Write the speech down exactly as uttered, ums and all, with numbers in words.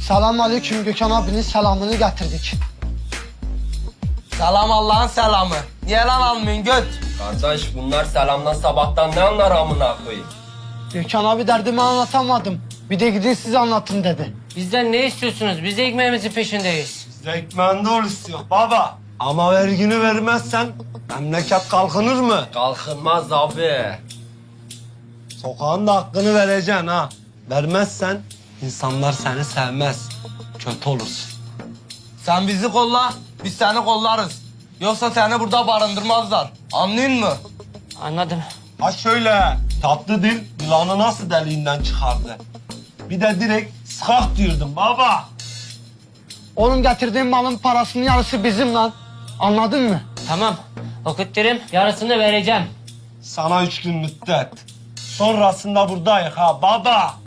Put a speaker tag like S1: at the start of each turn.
S1: Selam aleyküm, Gökhan abinin selamını getirdik.
S2: Selam Allah'ın selamı. Niye lan almıyorsun göt?
S3: Kardeş bunlar selamdan sabahtan ne anlar amına koyayım?
S1: Gökhan abi derdimi anlatamadım. Bir de gidin siz anlatın dedi.
S4: Bizden ne istiyorsunuz? Biz de ekmeğimizin peşindeyiz.
S5: Zekmen doğru istiyor baba. Ama vergini vermezsen memleket kalkınır mı?
S3: Kalkınmaz abi.
S5: Sokağın da hakkını vereceksin ha. Vermezsen insanlar seni sevmez. Kötü olursun.
S2: Sen bizi kolla, biz seni kollarız. Yoksa seni burada barındırmazlar. Anlıyor musun?
S4: Anladım.
S5: Ha şöyle tatlı dil yılanı nasıl deliğinden çıkardı? Bir de direkt sıkak diyordum baba.
S1: Oğlum getirdiğin malın parasının yarısı bizim lan. Anladın mı?
S4: Tamam. Okutturum. Yarısını vereceğim.
S5: Sana üç gün müddet. Sonrasında buradayız ha baba.